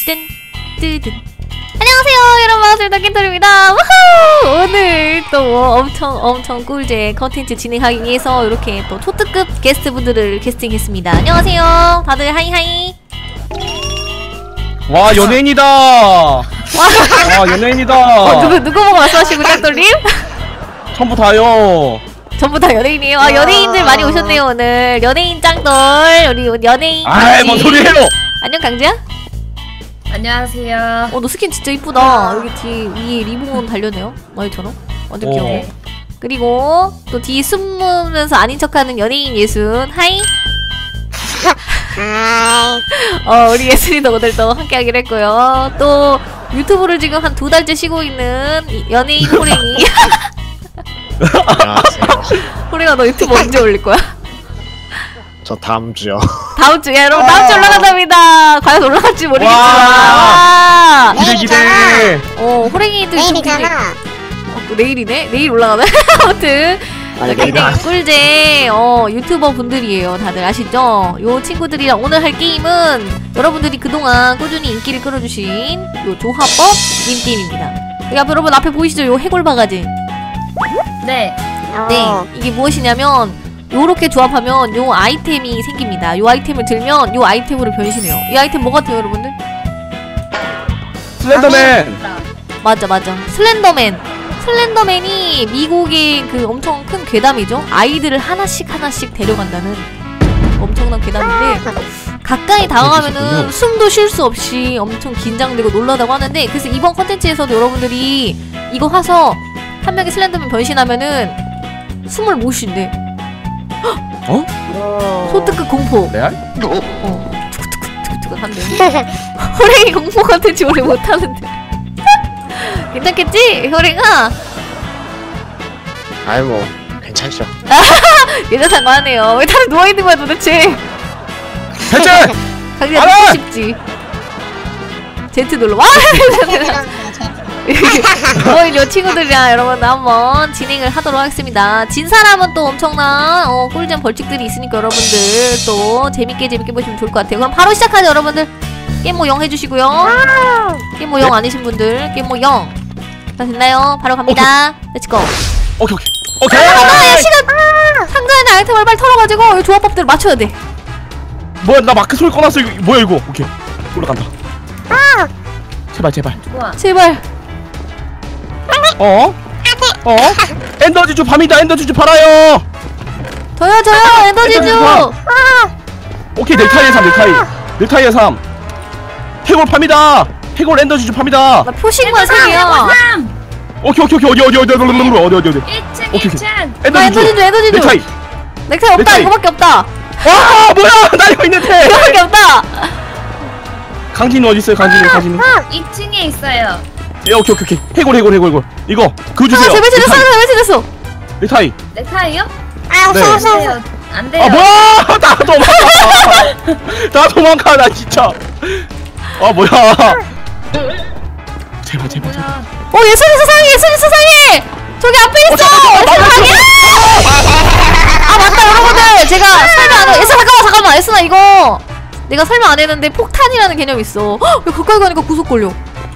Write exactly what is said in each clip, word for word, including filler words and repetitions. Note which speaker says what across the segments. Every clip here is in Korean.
Speaker 1: 뜬 뜨든. 안녕하세요 여러분, 반갑습니다. 킨토리입니다. 우후! 오늘 또 엄청 엄청 꿀잼 컨텐츠 진행하기 위해서 이렇게 또 초특급 게스트분들을 캐스팅했습니다. 안녕하세요 다들 하이하이.
Speaker 2: 와 연예인이다. 와 연예인이다.
Speaker 1: 어, 누구 누구 보고 말씀하시고 짱돌님?
Speaker 2: 전부 다요.
Speaker 1: 전부 다 연예인이에요. 아 연예인들 많이 오셨네요 오늘. 연예인 짱돌 우리 연예인.
Speaker 2: 아이 뭔 소리예요?
Speaker 1: 안녕 강지야?
Speaker 3: 안녕하세요.
Speaker 1: 어 너 스킨 진짜 이쁘다. 여기 뒤에 위에 리본 달렸네요. 너희처럼 완전 귀여워. 그리고 또 뒤에 숨으면서 아닌 척하는 연예인 예순. 하이. 어 우리 예순이도 오늘 또 함께하기로 했고요. 또 유튜브를 지금 한 두 달째 쉬고 있는 연예인 호랭이.
Speaker 4: 안녕하세요.
Speaker 1: 호랭아 너 유튜브 언제 올릴 거야?
Speaker 4: 저 다음 주요.
Speaker 1: 다음 주에 여러분 다음 주 올라간답니다. 과연 올라갈지 모르겠지만. 와.
Speaker 2: 기대 기대.
Speaker 1: 어 호랭이들
Speaker 5: 내일이잖아.
Speaker 1: 어, 내일이네? 내일 올라가네? 아무튼 굉장히 꿀잼 어 유튜버 분들이에요. 다들 아시죠? 요 친구들이랑 오늘 할 게임은 여러분들이 그동안 꾸준히 인기를 끌어주신 요 조합법 님게임입니다. 여러분 앞에 보이시죠? 요 해골 바가지.
Speaker 3: 네.
Speaker 1: 네 이게 무엇이냐면 요렇게 조합하면 요 아이템이 생깁니다. 요 아이템을 들면 요 아이템으로 변신해요. 이 아이템 뭐 같아요 여러분들?
Speaker 2: 슬렌더맨.
Speaker 1: 맞아 맞아 슬렌더맨. 슬렌더맨이 미국의 그 엄청 큰 괴담이죠. 아이들을 하나씩 하나씩 데려간다는 엄청난 괴담인데 가까이 다가가면은 숨도 쉴 수 없이 엄청 긴장되고 놀라다고 하는데, 그래서 이번 컨텐츠에서도 여러분들이 이거 하서 한 명이 슬렌더맨 변신하면은 숨을 못 쉰대.
Speaker 2: 어?
Speaker 1: 소특급 공포.
Speaker 2: 레알?
Speaker 1: 어 투쿠투쿠투쿠투쿠 한대. 호랭이 공포 컨텐츠 오래 못하는데 괜찮겠지? 호랭아?
Speaker 4: 아이 뭐 괜찮죠.
Speaker 1: 괜찮다고 하네요. 왜 다들 누워있는 거야 도대체?
Speaker 2: 대체!
Speaker 1: 강지야
Speaker 2: 알아!
Speaker 1: 듣고 싶지? 제트 눌러. 와! 어, 요 친구들이랑 여러분 한번 진행을 하도록 하겠습니다. 진 사람은 또 엄청난 어, 꿀잼 벌칙들이 있으니까 여러분들 또 재밌게 재밌게 보시면 좋을 것 같아요. 그럼 바로 시작하죠 여러분들. 게임모 영 해주시고요. 게임모 영 아니신 분들 게임모 영. 다 됐나요? 바로 갑니다. 렛츠고.
Speaker 2: 오케이 오케이 오케이.
Speaker 1: 잠깐만 야 시간! 상자에 있는 아이템을 빨리 털어가지고 이 조합법들을 맞춰야 돼.
Speaker 2: 뭐야 나 마크 소리 꺼놨어. 이거 뭐야 이거? 오케이 올라간다. 제발 제발.
Speaker 3: 좋아.
Speaker 1: 제발.
Speaker 2: 어? 어? 엔더지주 밤이다. 엔더지주 팔아요.
Speaker 1: 저요 저요 에너지주.
Speaker 2: 엔더지주 파. 오케이 넥타이의 삶 넥타이. 넥타이의 삶. 해골 팝니다. 해골 엔더지주 팝니다.
Speaker 1: 나 표식만 생이야.
Speaker 3: 삼!
Speaker 2: 오케이 오케이 오케이 어디 어디 어디 어디 어디 어디 어디.
Speaker 3: 일 층
Speaker 2: 오케이,
Speaker 3: 일 층!
Speaker 1: 아
Speaker 2: 엔더지주.
Speaker 1: 에너지주 에너지주.
Speaker 2: 넥타이.
Speaker 1: 넥타이 없다.
Speaker 2: 넥타이.
Speaker 1: 이거밖에 없다.
Speaker 2: 와 뭐야 나 이거 있는데.
Speaker 1: 이거밖에 없다.
Speaker 2: 강진이 어디 있어요? 강진이 강진이.
Speaker 3: 이 층에 있어요.
Speaker 2: 예 오케이 오케이 오케이. 해골 해골 해골 해골. 이거 그거 주세요.
Speaker 1: 아 제발 제발
Speaker 2: 넥타이.
Speaker 1: 제발 제발
Speaker 2: 넥타이.
Speaker 3: 넥타이요?
Speaker 5: 아,
Speaker 2: 네.
Speaker 5: 없어,
Speaker 3: 안
Speaker 5: 없어, 없어.
Speaker 3: 돼요. 안 돼요.
Speaker 2: 아 뭐야 나 도망가. 나 도망가 나 진짜. 아 뭐야. 제발 제발 제발.
Speaker 3: 뭐야.
Speaker 1: 어 예순이 수상해 예순이 수상해. 저기 앞에 있어. 세상에. 아 맞다 여러분들 제가 설명 안 해. 예순 잠깐만 잠깐만 예순아 이거 내가 설명 안 했는데 폭탄이라는 개념이 있어. 헉, 왜 가까이 가니까 구속 걸려.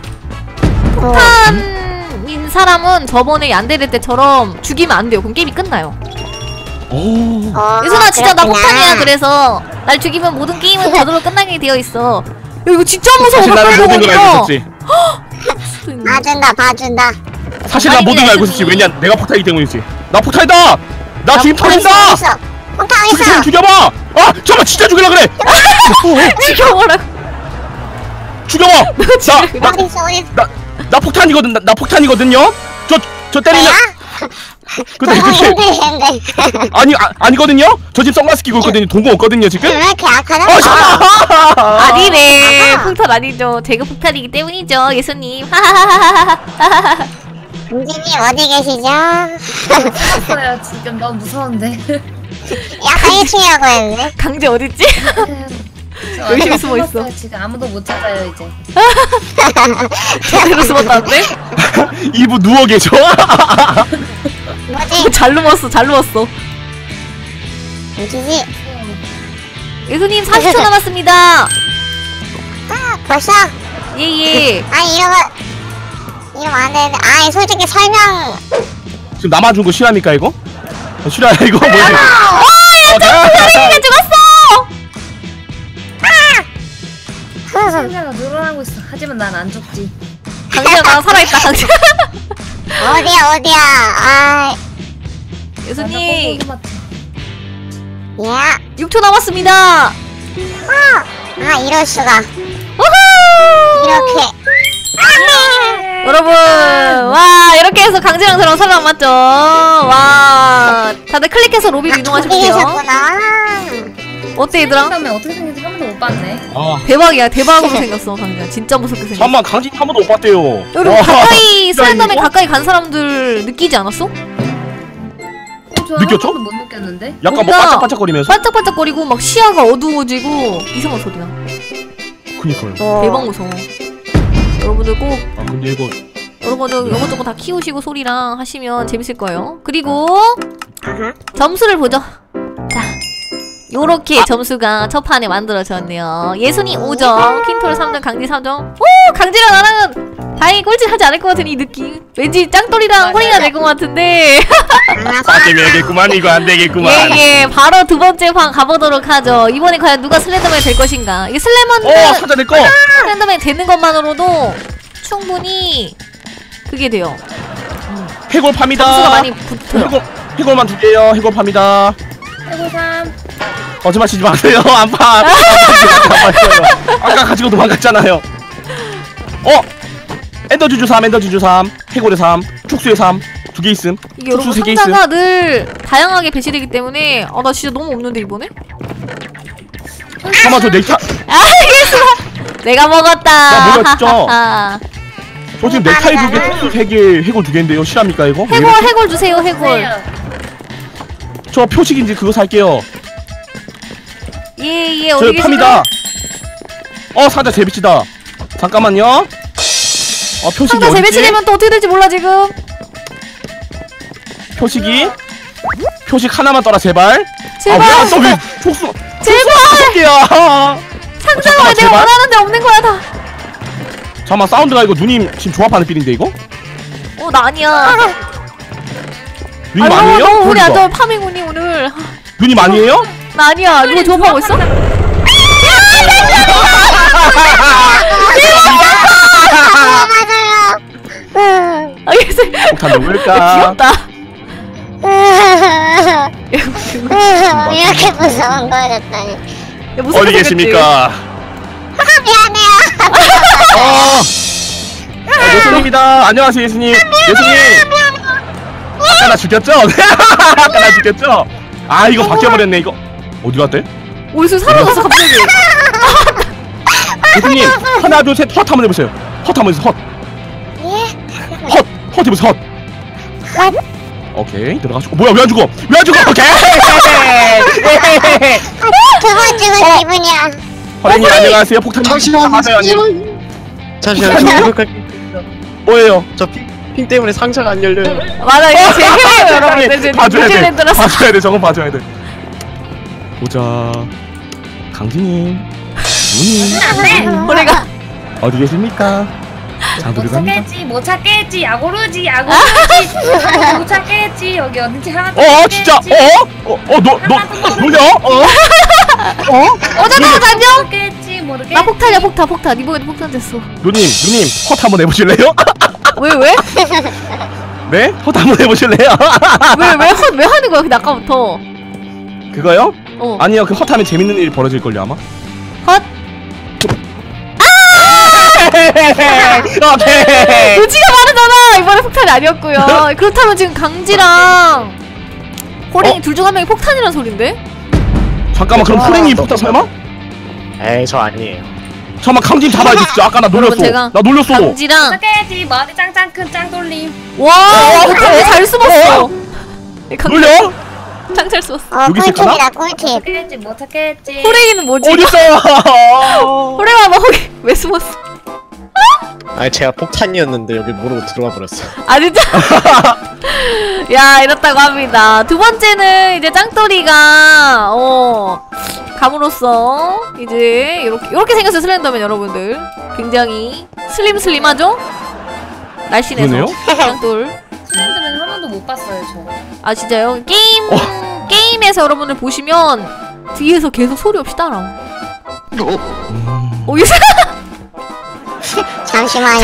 Speaker 1: 폭탄인 사람은 저번에 얀데레 때처럼 죽이면 안 돼요. 그럼 게임이 끝나요.
Speaker 2: 오.
Speaker 5: 어,
Speaker 1: 예순아 진짜 나
Speaker 5: 그렇구나.
Speaker 1: 폭탄이야. 그래서 날 죽이면 모든 게임은 저절로 끝나게 되어 있어. 야 이거 진짜 무서워.
Speaker 2: 사실 나는
Speaker 1: 가까이
Speaker 2: 모든 걸 알고
Speaker 1: 가니까.
Speaker 2: 있었지.
Speaker 5: 봐준다, 봐준다.
Speaker 2: 사실 나 모든 걸 알고 있었지. 왜냐 내가 폭탄이기 때문이지. 나 폭탄이다. 나 지금 터진다.
Speaker 5: 있어. 폭탄
Speaker 2: 죽여
Speaker 5: 있어.
Speaker 2: 죽여봐. 아 잠깐 진짜 죽이려 그래.
Speaker 1: 죽여버려.
Speaker 2: 죽여봐. 나나
Speaker 5: 어디 있어, 어디 있어.
Speaker 2: 나, 나 폭탄이거든. 나, 나 폭탄이거든요. 저 저 때리면. 근데
Speaker 5: 너무
Speaker 2: 그게
Speaker 5: 힘들겠는데.
Speaker 2: 아니 아, 아니거든요. 저 지금 선글라스 끼고 있거든요. 동공 없거든요 지금.
Speaker 5: 왜 이렇게 약하냐?
Speaker 2: 아 잠깐.
Speaker 1: 아니네.
Speaker 5: 아하.
Speaker 1: 폭탄 아니죠. 제가 폭탄이기 때문이죠. 예수님. 하하하하하.
Speaker 5: 은진님 어디 계시죠?
Speaker 3: 죽었어요. 지금 너무 무서운데.
Speaker 5: 약간 일 층이라고 했는데.
Speaker 1: 강제 어딨지?
Speaker 3: 저
Speaker 1: 열심히
Speaker 3: 아무도
Speaker 1: 숨어 있어.
Speaker 3: 숨었어요. 지금 아무도 못 찾아요 이제.
Speaker 1: 제대로 숨었다는데?
Speaker 2: 일부 누워 계셔.
Speaker 5: 뭐지?
Speaker 1: 잘 누웠어. 잘 누웠어.
Speaker 5: 은진이.
Speaker 1: 예수님 사십 초 남았습니다.
Speaker 5: 아, 벌써?
Speaker 1: 예예.
Speaker 5: 아니 이러면 이러면 안 되는데. 아니 솔직히 설명.
Speaker 2: 지금 나만 준 거 실합니까 이거? 어, 실화야 이거 뭐지?
Speaker 1: 어야 점프가 죽었어.
Speaker 3: 상자가 늘어나고 있어. 하지만 난 안 죽지.
Speaker 1: 강지가 살아있다 강지.
Speaker 5: 어디야 어디야. 아.
Speaker 1: 예수님
Speaker 5: 야.
Speaker 1: 육 초 남았습니다.
Speaker 5: 아 이럴 수가.
Speaker 1: 우후.
Speaker 5: 이렇게.
Speaker 1: 여러분 와 이렇게 해서 강지랑 저랑 살아남았죠. 와 다들 클릭해서 로비로 이동하시면 돼요.
Speaker 5: 계셨구나.
Speaker 1: 어때 얘들아?
Speaker 3: 그다음에 어떻게 생긴지 한 번도 못 봤네.
Speaker 2: 아
Speaker 1: 대박이야 대박으로 생겼어 강지야. 진짜 무섭게 생겼어.
Speaker 2: 잠만 강진 한 번도 못 봤대요.
Speaker 1: 여러분
Speaker 2: 와,
Speaker 1: 가까이
Speaker 2: 진짜
Speaker 1: 슬렌더맨
Speaker 2: 이거?
Speaker 1: 가까이 간 사람들 느끼지 않았어?
Speaker 3: 어, 저
Speaker 2: 느꼈죠?
Speaker 3: 한 번도 못 느꼈는데.
Speaker 2: 약간 뭐
Speaker 1: 뭔가
Speaker 2: 반짝반짝거리면서.
Speaker 1: 반짝반짝거리고 막 시야가 어두워지고 이상한 소리나.
Speaker 2: 그니까요.
Speaker 1: 대박 무서워. 여러분들 꼭
Speaker 2: 아 근데 이거
Speaker 1: 여러분들 이것저것 다 키우시고 소리랑 하시면 재밌을 거예요. 그리고
Speaker 5: 아하.
Speaker 1: 점수를 보죠. 자, 요렇게 점수가 첫 판에 만들어졌네요. 예순이 오 점, 퀸톨 삼 점, 강지 삼 점. 오! 강지랑 나랑은 다행히 꼴찌하지 않을 것 같은 이 느낌. 왠지 짱돌이랑 호리가 될 것 같은데.
Speaker 2: 안되겠구만 이거 안되겠구만.
Speaker 1: 예예. 바로 두 번째 판 가보도록 하죠. 이번에 과연 누가 슬렌더맨 될 것인가. 이게
Speaker 2: 어
Speaker 1: 슬렌더맨
Speaker 2: 사자 내꺼.
Speaker 1: 슬렌더맨 되는 것만으로도 충분히 그게 돼요.
Speaker 2: 해골 팝니다.
Speaker 1: 점수가 많이 붙어요.
Speaker 2: 해골 해골만 두 개요. 해골 팝니다.
Speaker 3: 해골삼.
Speaker 2: 거짓말 치지 마세요. 안 파. 아까 가지고 도망갔잖아요. 어 엔더주주 삼 엔더주주 삼 해골의 삼 촉수의 삼 두 개 있음.
Speaker 1: 이게
Speaker 2: 촉수
Speaker 1: 여러분
Speaker 2: 세 개 있음.
Speaker 1: 상자가 늘 다양하게 배치되기 때문에 아 나 진짜 너무 없는데 이번에?
Speaker 2: 잠깐만 저 넥타
Speaker 1: 알겠어. 내가 먹었다.
Speaker 2: 나 먹었죠?
Speaker 1: 하하하.
Speaker 2: 저 지금 넥타이 두 개, 촉수 세 개, 해골 두 개인데요. 실합니까 이거? 왜
Speaker 1: 해골
Speaker 2: 이렇게?
Speaker 1: 해골 주세요 해골.
Speaker 2: 저 표식인지 그거 살게요.
Speaker 1: 예예
Speaker 2: 저
Speaker 1: 어디
Speaker 2: 팝니다. 어 상자 재배치다. 잠깐만요. 어 표식이
Speaker 1: 상자
Speaker 2: 어딨지?
Speaker 1: 재배치되면 또 어떻게 될지 몰라 지금.
Speaker 2: 표식이 표식 하나만 떠라 제발.
Speaker 1: 제발.
Speaker 2: 아, 왜또왜 촉수
Speaker 1: 제발.
Speaker 2: 촉수야.
Speaker 1: 상자가
Speaker 2: 잠깐만,
Speaker 1: 왜 내가
Speaker 2: 제발.
Speaker 1: 원하는데 없는 거야 다.
Speaker 2: 잠깐만 사운드가 이거 누님 지금 조합하는 필인데 이거?
Speaker 1: 어 나 아니야.
Speaker 2: 누님
Speaker 1: 아유,
Speaker 2: 아니에요?
Speaker 1: 너무 운이 안
Speaker 2: 그러니까.
Speaker 1: 좋아 파밍운이 오늘.
Speaker 2: 누님 아니에요?
Speaker 1: 나 아니야. 누가 조합하고 있어?
Speaker 5: 맞아요. 음.
Speaker 1: 알겠어.
Speaker 2: 폭탄 누굴까?
Speaker 1: 귀엽다.
Speaker 5: 음, 이렇게 무서운 거였다니.
Speaker 1: 야, 무섭게
Speaker 2: 어디
Speaker 1: 생겼지?
Speaker 2: 계십니까?
Speaker 5: 아, 미안해요.
Speaker 2: 어. 어, 예수님입니다. 안녕하세요 예수님. 예수님. 아까 나 죽였죠? 아까 나 죽였죠? 아 이거 바뀌어버렸네 이거. 어디 갔대?
Speaker 1: 어디서 사라졌어 갑자기.
Speaker 2: 예수님 하나 둘 셋 헛 한번 해보세요. 헛 한번 해보세요. 헛.
Speaker 5: 예?
Speaker 2: 헛. 헛 해보세요. 헛. 오케이 들어가시고. 뭐야 왜 안 죽어? 왜 안 죽어? 오케이.
Speaker 5: 두 번 죽은 기분이야.
Speaker 2: 허랭이 안녕하세요. 폭탄
Speaker 4: 잠시만요.
Speaker 2: 맞아요 아니.
Speaker 4: 잠시만요. 저 이거
Speaker 2: 뭐예요?
Speaker 4: 저핑 때문에 상자가 안 열려요.
Speaker 1: 맞아 이거 제 힘이에요 여러분. 내 지금
Speaker 2: 봐줘야 돼.
Speaker 1: 뉴질랜드라서.
Speaker 2: 봐줘야 돼. 저건 봐줘야 돼. 보자. 강진님, 누님
Speaker 1: 우리가
Speaker 2: 어디 계십니까? 자
Speaker 3: 못
Speaker 2: 들어갑니다.
Speaker 3: 찾겠지 못 찾겠지 야구르지 야구르지 못 찾겠지 여기 어딘지 하나
Speaker 2: 어 진짜 어어어너너 놀려 어? 어?
Speaker 1: 어 잠깐만 안녕.
Speaker 3: 모르겠지 모르겠지
Speaker 1: 나 폭탄이야 폭탄 폭탄. 이번에도 폭탄 됐어.
Speaker 2: 누님 누님 헛 한번 해보실래요?
Speaker 1: 왜 왜?
Speaker 2: 네? 헛 한번 해보실래요?
Speaker 1: 왜왜왜 하는 거야 근데 아까부터.
Speaker 2: 그거요?
Speaker 1: 어.
Speaker 2: 아니요 그 헛하면 재밌는 일이 벌어질걸요 아마.
Speaker 1: 헛.
Speaker 2: 오케이.
Speaker 1: 루지가 말하잖아. 이번에 폭탄이 아니었고요. 그렇다면 지금 강지랑 호랭이
Speaker 2: 어?
Speaker 1: 둘 중 한 명이 폭탄이란 소린데?
Speaker 2: 잠깐만 그럼 호랭이 폭탄 설마?
Speaker 4: 에이 저 아니에요.
Speaker 2: 잠깐만 강진 잡아야 돼 진짜. 아까 나 놀렸어.
Speaker 1: 여러분, 제가
Speaker 2: 나 놀렸어.
Speaker 1: 강지랑
Speaker 3: 찾겠지 머리 짱짱 큰 짱돌림
Speaker 1: 와 이거 강지 잘 숨었어. 이 강지
Speaker 2: 놀려?
Speaker 1: 짱잘 숨었어.
Speaker 5: 어,
Speaker 2: 여기 있을까나?
Speaker 5: 꿀팁이다, 꿀팁.
Speaker 3: 찾겠지 못 찾겠지
Speaker 1: 호랭이는 뭐지?
Speaker 2: 어딨어?
Speaker 1: 호랭아 너 거기 왜 숨었어?
Speaker 4: 아니 제가 폭탄이었는데 여기 모르고 들어가 버렸어.
Speaker 1: 아 진짜? 야 이렇다고 합니다. 두 번째는 이제 짱돌이가 어 감으로써 이제 이렇게 이렇게 생겼어요 슬렌더맨 여러분들. 굉장히 슬림슬림하죠? 날씬해서.
Speaker 2: 그러네요?
Speaker 1: 짱돌.
Speaker 3: 슬렌더맨 한 번도 못 봤어요 저.
Speaker 1: 아 진짜요? 게임
Speaker 2: 어.
Speaker 1: 게임에서 여러분들 보시면 뒤에서 계속 소리 없이 따라.
Speaker 2: 음...
Speaker 1: 오 이 사람.
Speaker 5: 잠시만요.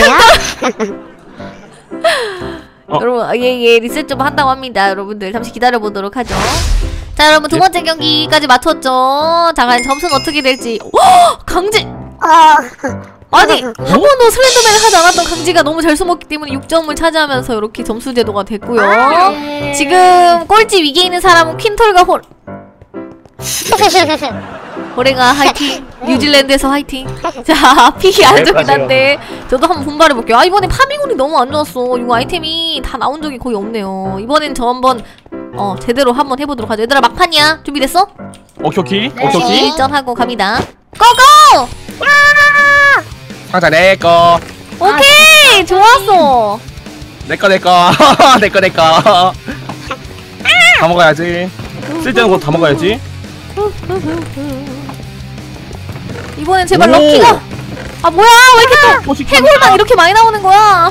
Speaker 2: 어.
Speaker 1: 여러분 예예 리셋 좀 한다고 합니다. 여러분들 잠시 기다려 보도록 하죠. 자 여러분 두
Speaker 2: 예.
Speaker 1: 번째 경기까지 마쳤죠. 자 과연 점수는 어떻게 될지. 오! 강지.
Speaker 5: 어.
Speaker 1: 아니 한 번도 슬렌더맨을 하지 않았던 강지가 너무 잘 숨었기 때문에 육 점을 차지하면서 이렇게 점수 제도가 됐고요.
Speaker 3: 네.
Speaker 1: 지금 꼴찌 위기에 있는 사람은 퀸털과 홀 호랭아 화이팅. 뉴질랜드에서 화이팅. 자 픽이 안 좋긴 한데 저도 한번 분발해볼게요. 아 이번에 파밍운이 너무 안 좋았어. 이거 아이템이 다 나온 적이 거의 없네요. 이번엔 저 한번 어 제대로 한번 해보도록 하죠. 얘들아 막판이야. 준비됐어?
Speaker 2: 오케이 오케이
Speaker 3: 네.
Speaker 2: 오케이 오케이.
Speaker 1: 일전하고 갑니다. 고고!
Speaker 2: 상자 내꺼
Speaker 1: 오케이 좋았어.
Speaker 2: 내꺼 내꺼 내꺼 내꺼 다 먹어야지. 쓸데없는 거 다 먹어야지.
Speaker 1: 이번엔 제발
Speaker 2: 오!
Speaker 1: 럭키가. 아 뭐야 왜 이렇게 또
Speaker 2: 표식
Speaker 1: 해골만
Speaker 2: 팝니다.
Speaker 1: 이렇게 많이 나오는 거야.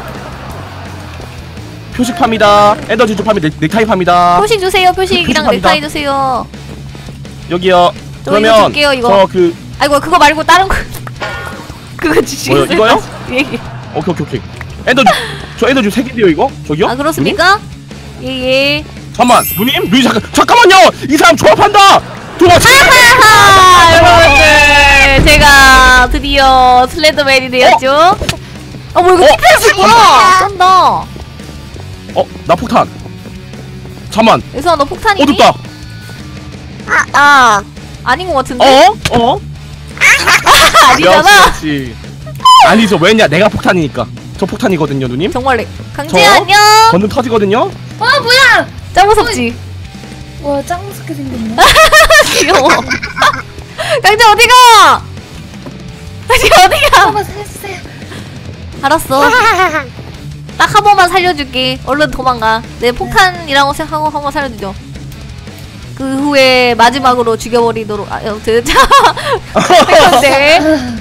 Speaker 2: 표식 팝니다. 에너지 주 팝니다. 넥타이 팝니다.
Speaker 1: 표식 주세요. 표식이랑
Speaker 2: 표식합니다.
Speaker 1: 넥타이 주세요.
Speaker 2: 여기요.
Speaker 1: 저 이거
Speaker 2: 그러면
Speaker 1: 줄게요, 이거.
Speaker 2: 저 그
Speaker 1: 아이고 그거 말고 다른 거 그거 주시겠어요?
Speaker 2: 뭐요, 이거요?
Speaker 1: 예, 예.
Speaker 2: 오케이 오케이 오케이. 에너지 저 에너지 세 개인데요 이거? 저기요?
Speaker 1: 아 그렇습니까? 예예.
Speaker 2: 누님? 잠만 누님 누님 잠깐 잠깐만요. 이 사람 조합한다. 두 번째.
Speaker 1: 하하 여러분들 제가 드디어 슬렌더맨이 되었죠. 어 뭐 이거
Speaker 2: 어?
Speaker 1: 티켓이구나. 쩐다.
Speaker 2: 어 나 폭탄. 잠만.
Speaker 1: 예수아 너 폭탄이니?
Speaker 2: 어둡다.
Speaker 5: 아, 어.
Speaker 1: 아닌 것 같은데?
Speaker 2: 어? 어?
Speaker 1: 아니잖아.
Speaker 2: 역시, 역시. 아니죠. 왜냐? 내가 폭탄이니까. 저 폭탄이거든요, 누님.
Speaker 1: 정말 래 강재
Speaker 2: 저?
Speaker 1: 안녕.
Speaker 2: 건능 터지거든요.
Speaker 3: 어 뭐야?
Speaker 1: 짱 무섭지?
Speaker 3: 와 짱 무섭게 생겼네.
Speaker 1: 귀여워. 강재 어디가? 강재 어디가?
Speaker 3: 한번 살려주세요.
Speaker 1: 알았어. 딱 한 번만 살려줄게. 얼른 도망가. 내 폭탄이라고 생각하고 한 번 살려주죠. 그 후에 마지막으로 죽여버리도록. 아, 여튼 자. 근데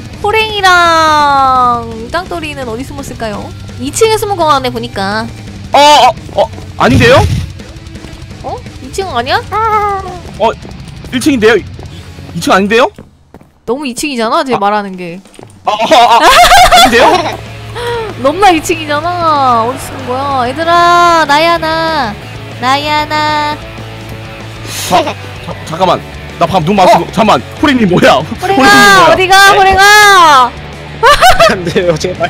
Speaker 1: 호랭이랑 짱돌이는 어디 숨었을까요? 이 층에 숨은 거 같네 보니까.
Speaker 2: 어, 어, 어, 아닌데요?
Speaker 1: 어? 이 층 아니야?
Speaker 2: 어, 일 층인데요? 이 층 아닌데요?
Speaker 1: 너무 이 층이잖아. 제
Speaker 2: 아.
Speaker 1: 말하는 게.
Speaker 2: 아, 아, 아, 아닌데요?
Speaker 1: 넘나 이 층이잖아. 어디 숨은 거야? 얘들아, 나야 나. 나야 나.
Speaker 2: 자, 자, 잠깐만. 나 방금 눈 맞추고. 잠깐만. 호랭님 뭐야?
Speaker 1: 호랭아, 어디가? 호랭아.
Speaker 4: 안 돼요, 제발.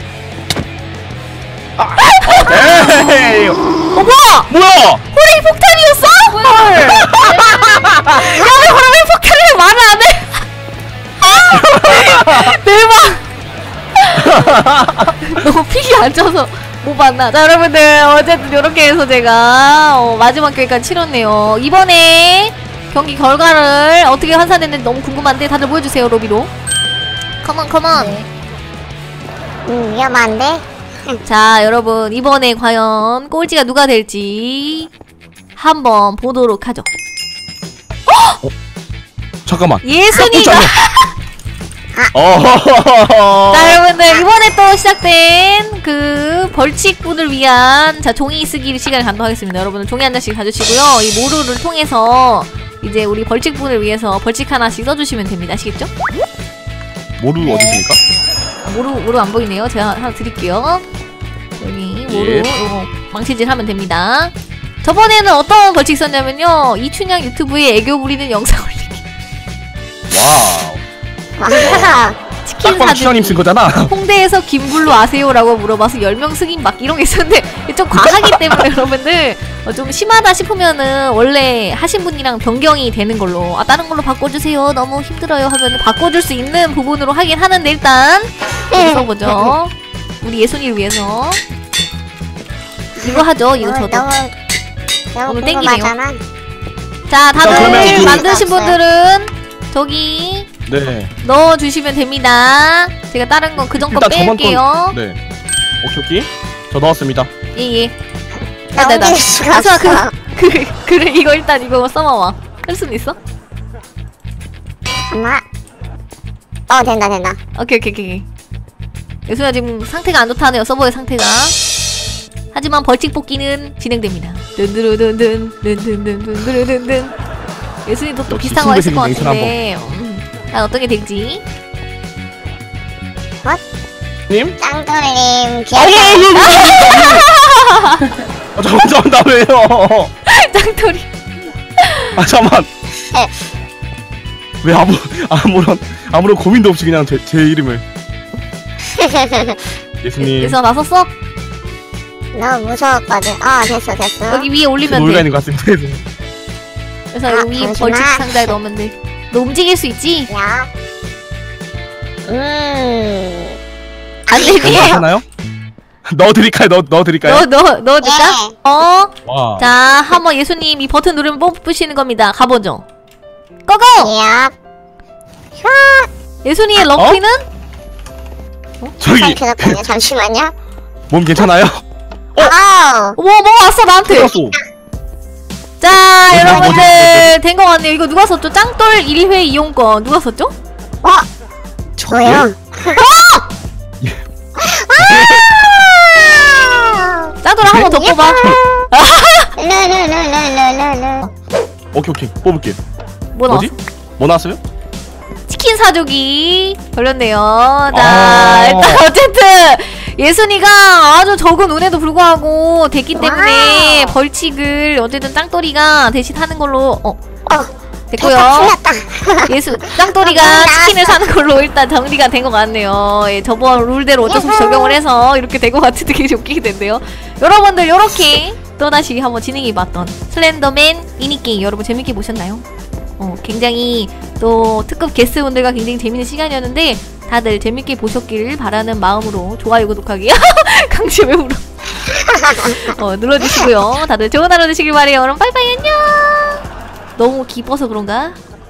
Speaker 2: 에이,
Speaker 1: 어 뭐야?
Speaker 2: 뭐야?
Speaker 1: 호랭이 폭탄이었어? 헐. 야, 왜 호랭이 폭탄을 말을 안 해? 대박. 너무 픽이 안 쳐서 못 봤나? 자 여러분들 어쨌든 이렇게 해서 제가 어, 마지막 경기까지 치렀네요. 이번에 경기 결과를 어떻게 환산됐는지 너무 궁금한데 다들 보여주세요. 로비로 컴온 컴온.
Speaker 3: 네.
Speaker 5: 음, 위험한데?
Speaker 1: 자 여러분 이번에 과연 꼴찌가 누가 될지 한번 보도록 하죠.
Speaker 2: 잠깐만.
Speaker 1: 예순이가
Speaker 2: 어.
Speaker 1: 자 여러분들 이번에 또 시작된 그 벌칙분을 위한 자 종이 쓰기 시간을 갖도록 하겠습니다. 여러분들 종이 한 장씩 가주시고요. 이 모루를 통해서 이제 우리 벌칙분을 위해서 벌칙 하나씩 써주시면 됩니다. 아시겠죠?
Speaker 2: 모루 어디 있습니까?
Speaker 1: 모루 모루 안 보이네요. 제가 하나 드릴게요. 여기 모루
Speaker 2: 예.
Speaker 1: 요거 망치질 하면 됩니다. 저번에는 어떤 벌칙 썼냐면요. 이춘향 유튜브에 애교 부리는 영상 올리기.
Speaker 2: 와우.
Speaker 5: 와.
Speaker 1: 치킨
Speaker 2: 딱방 추천님
Speaker 1: 사주기.
Speaker 2: 쓴 거잖아.
Speaker 1: 홍대에서 김블루 아세요? 라고 물어봐서 열 명 승인 막 이런 게 있었는데 좀 과하기 때문에 여러분들 어, 좀 심하다 싶으면은 원래 하신 분이랑 변경이 되는 걸로 아 다른 걸로 바꿔주세요 너무 힘들어요 하면은 바꿔줄 수 있는 부분으로 하긴 하는데 일단 써보죠. 우리 예순이를 위해서 이거 하죠. 이거 저도
Speaker 5: 너무, 너무
Speaker 1: 오늘 땡기네요.
Speaker 5: 궁금하잖아.
Speaker 1: 자 다들
Speaker 2: 그러면 그-
Speaker 1: 만드신 분들은 저기
Speaker 2: 네.
Speaker 1: 넣어주시면 됩니다. 제가 다른 거 그전 거
Speaker 2: 일단 저번
Speaker 1: 뺄게요.
Speaker 2: 건 네. 오케이 오케이. 저 넣었습니다.
Speaker 1: 예예.
Speaker 5: 나
Speaker 1: 나, 나.
Speaker 5: 옮길 수가
Speaker 1: 아수아
Speaker 5: 없어.
Speaker 1: 그, 그, 그래 이거 일단 이거 써봐봐. 할 수는 있어?
Speaker 5: 잠깐만. 어 된다 된다.
Speaker 1: 오케이 오케이 오케이. 예순아 지금 상태가 안 좋다네요. 서버의 상태가. 하지만 벌칙 뽑기는 진행됩니다. 든드르든든 든든든든든든. 예순이도 또
Speaker 2: 역시
Speaker 1: 비슷한 거 했을 것
Speaker 2: 신고생이
Speaker 1: 같은데. 음, 난 어떤 게 될지.
Speaker 2: 님?
Speaker 5: 짱돌님
Speaker 2: 아,
Speaker 5: 귀여워.
Speaker 2: 아, 잠깐만, 잠깐만, 나 왜요?
Speaker 1: 짱돌이.
Speaker 2: 아, 잠깐만. 왜 아무, 아무런, 아무런 고민도 없이 그냥 제, 제 이름을. 예수님.
Speaker 1: 예순아 나섰어?
Speaker 5: 너무 무서웠거든. 아 됐어 됐어.
Speaker 1: 여기 위에 올리면
Speaker 2: 놀가
Speaker 1: 돼.
Speaker 2: 있는 것 같습니다.
Speaker 1: 그래서
Speaker 5: 아,
Speaker 1: 여기 위에
Speaker 5: 잠시만.
Speaker 1: 벌칙 상자에 넣으면 돼. 너 움직일 수 있지?
Speaker 5: 야. 음.
Speaker 1: 안 되니?
Speaker 2: 괜찮아요? 넣어드릴까요? 넣어, 넣어드릴까요?
Speaker 1: 넣어, 넣어, 넣어줄까?
Speaker 5: 예.
Speaker 1: 어?
Speaker 2: 와.
Speaker 1: 자, 한번 예수님 이 버튼 누르면 뽑으시는 겁니다. 가보죠. 고고!
Speaker 5: 야.
Speaker 1: 예수님의
Speaker 2: 어?
Speaker 1: 럭키는?
Speaker 2: 저기,
Speaker 5: 잠시만요. 잠시만요.
Speaker 2: 몸 괜찮아요?
Speaker 5: 어.
Speaker 1: 뭐, 뭐 왔어, 나한테!
Speaker 2: 들었어.
Speaker 1: 자,
Speaker 2: 뭐지,
Speaker 1: 여러분들, 된 거 같네요. 이거 누가 썼죠? 짱돌 일 회 이용권. 누가 썼죠?
Speaker 5: 어. 저요.
Speaker 1: 짱돌 한 번 더 뽑아.
Speaker 5: 르르르르르르르.
Speaker 2: 오케이, 오케이. 뽑을게요.
Speaker 1: 뭐 나왔어?
Speaker 2: 뭐지? 뭐 나왔어요?
Speaker 1: 치킨 사주기 걸렸네요. 자,
Speaker 2: 아.
Speaker 1: 일단 어쨌든 예순이가 아주 적은 운에도 불구하고 됐기 때문에
Speaker 5: 와우.
Speaker 1: 벌칙을 어쨌든 짱돌이가 대신 하는 걸로 어
Speaker 5: 어.
Speaker 1: 됐고요.
Speaker 5: 틀렸다.
Speaker 1: 예수 짱돌이가
Speaker 5: 어,
Speaker 1: 치킨을
Speaker 5: 나왔어.
Speaker 1: 사는 걸로 일단 정리가 된 것 같네요. 예, 저번 룰대로 어쩔 수 없이
Speaker 5: 야호.
Speaker 1: 적용을 해서 이렇게 된 것 같은데 되게 웃기게 된대요. 여러분들 요렇게 또다시 한번 진행해봤던 슬렌더맨 미니게임 여러분 재밌게 보셨나요? 어, 굉장히 또 특급 게스트분들과 굉장히 재밌는 시간이었는데 다들 재밌게 보셨길 바라는 마음으로 좋아요 구독하기 강제 외우로 어, 눌러주시고요. 다들 좋은 하루 되시길 바래요. 그럼 빠이빠이 안녕. 너무 기뻐서 그런가?